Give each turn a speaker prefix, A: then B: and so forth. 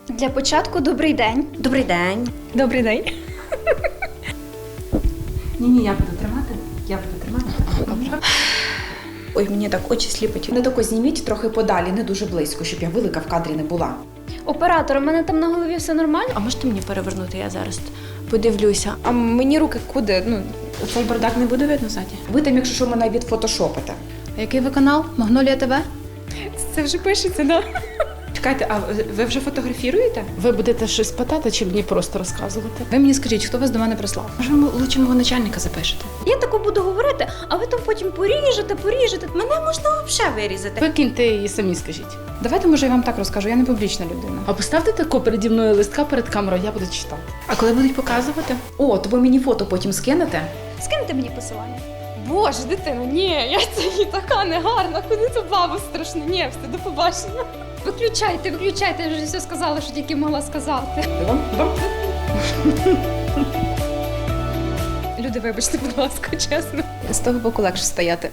A: Для початку добрий день.
B: Добрий день.
A: Добрий день.
C: Ні, я буду тримати. Добре. Ой, мені так очі сліпить. Не тако зніміть трохи подалі, не дуже близько, щоб я велика в кадрі не була.
A: Оператор, у мене там на голові все нормально?
B: А можете мені перевернути? Я зараз подивлюся.
D: А мені руки куди? Ну,
C: Цей бардак не буде видно ззаді? Ви там, якщо що, мене відфотошопите.
D: а який ви канал? Магнолія ТВ?
A: Це вже пишеться, да?
C: Чекайте, а ви вже фотографіруєте?
E: Ви будете щось питати чи мені просто розказувати?
D: Ви мені скажіть, хто вас до мене прислав?
C: Може, ви лучше мого начальника запишете?
A: Я тако буду говорити, а ви там потім поріжете. Мене можна взагалі вирізати.
E: Викиньте і самі скажіть.
D: Давайте, може, я вам так розкажу, я не публічна людина.
E: А поставте тако переді мною листка перед камерою, я буду читати.
C: А коли будуть показувати? О, то ви мені фото потім скинете?
A: Скиньте мені посилання.
D: Боже, дитино, ні, я це і така негарна, куди це бабу страшно? Ні, все, до побачення.
A: Виключайте, я вже все сказала, що тільки могла сказати.
D: Люди, вибачте, будь ласка, чесно. З того боку легше стояти.